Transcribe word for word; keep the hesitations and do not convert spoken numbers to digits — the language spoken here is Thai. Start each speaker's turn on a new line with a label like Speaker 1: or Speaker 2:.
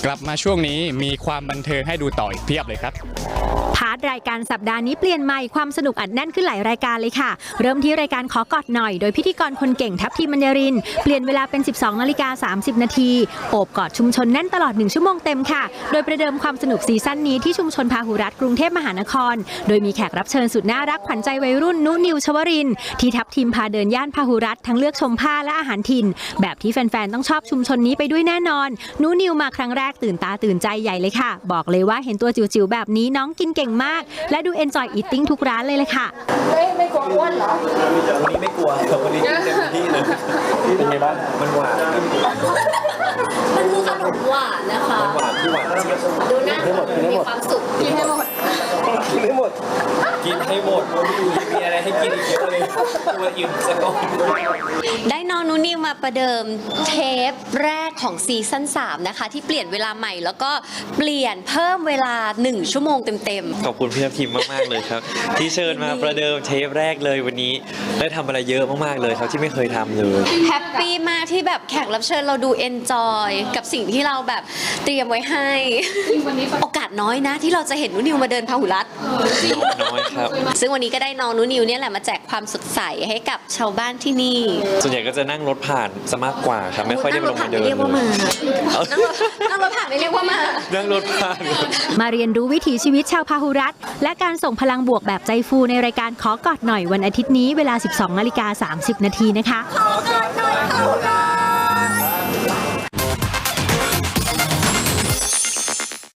Speaker 1: กลับมาช่วงนี้มีความบันเทิงให้ดูต่ออีกเพียบเลยครับ
Speaker 2: พาร์ทรายการสัปดาห์นี้เปลี่ยนใหม่ความสนุกอัดแน่นขึ้นหลายรายการเลยค่ะเริ่มที่รายการขอกอดหน่อยโดยพิธีกรคนเก่งทัพทีมมัญญรินเปลี่ยนเวลาเป็น สิบสองนาฬิกาสามสิบนาทีโอบกอดชุมชนแน่นตลอดหนึ่งชั่วโมงเต็มค่ะโดยประเดิมความสนุกซีซั่นนี้ที่ชุมชนพาหุรัตน์กรุงเทพมหานครโดยมีแขกรับเชิญสุดน่ารักขวัญใจวัยรุ่นนุนิวชวรินทร์ที่ทัพทีมพาเดินย่านพาหุรัตน์ทั้งเลือกชมผ้าและอาหารถิ่นแบบที่แฟนๆต้องชอบชุมชนนี้ไปด้วยแน่นอนนุนิวมาครั้งแรกตื่นตาตื่นใจใหญ่เลยค่ะบอกเลยว่าเห็นตัวจิ๋วๆแบบนี้น้องกินเก่งมากและดู enjoy eating ทุกร้านเลยเลยค่ะ
Speaker 3: ไม่ไม่กลัวอ้วนเหรอ
Speaker 4: วันนี้ไม่กลัววันนี้เต็มที่เลยเป็นไงบ้างมันหวาน
Speaker 3: มันคือขนมหวานนะคะ
Speaker 4: หวานที่หวานเจี๊ยบ
Speaker 3: ดูหน้ามีความสุขกินให้หมด
Speaker 4: กินให้หมดกินให้หมดมีอะไรให้กินอีกเยอะเลยตัวอิ่มซะก่อน
Speaker 5: ได้น้องนุนิวมาประเดิมเทปแรกของซีซั่นสามนะคะที่เปลี่ยนเวลาใหม่แล้วก็เปลี่ยนเพิ่มเวลาหนึ่งชั่วโมงเต็ม
Speaker 6: ๆขอบคุณพี่ทัพทีมมากๆเลยครับที่เชิญมาประเดิมเทปแรกเลยวันนี้ได้ทำอะไรเยอะมากๆเลยครับที่ไม่เคยทำเลย
Speaker 5: แฮปปี้มากที่แบบแขกรับเชิญเราดูเอนจอยกับสิ่งที่เราแบบเตรียมไว้ให้โอกาสน้อยนะที่เราจะเห็นนุนิวมาเดินพาหุรัตน์
Speaker 6: น้อยครับ
Speaker 5: ซึ่งวันนี้ก็ได้น้องนุนิวเนี่ยแหละมาแจกความสดใสให้กับชาวบ้านที่นี่
Speaker 6: ส่วนใหญ่ก็จะนั่งรถผ่านซะมากกว่าครับไม่ค่อยได้ลงมาเดิน
Speaker 5: เรียกว่ามานั่งรถผ่านไม่เรียกว่ามา
Speaker 6: นั่งรถผ่าน
Speaker 2: มาเรียนรู้วิถีชีวิตชาวพาหุรัตน์และการส่งพลังบวกแบบใจฟูในรายการขอกอดหน่อยวันอาทิตย์นี้เวลา สิบสองนาฬิกาสามสิบนาทีนะคะขอกอดหน่อยพาหุรัตน์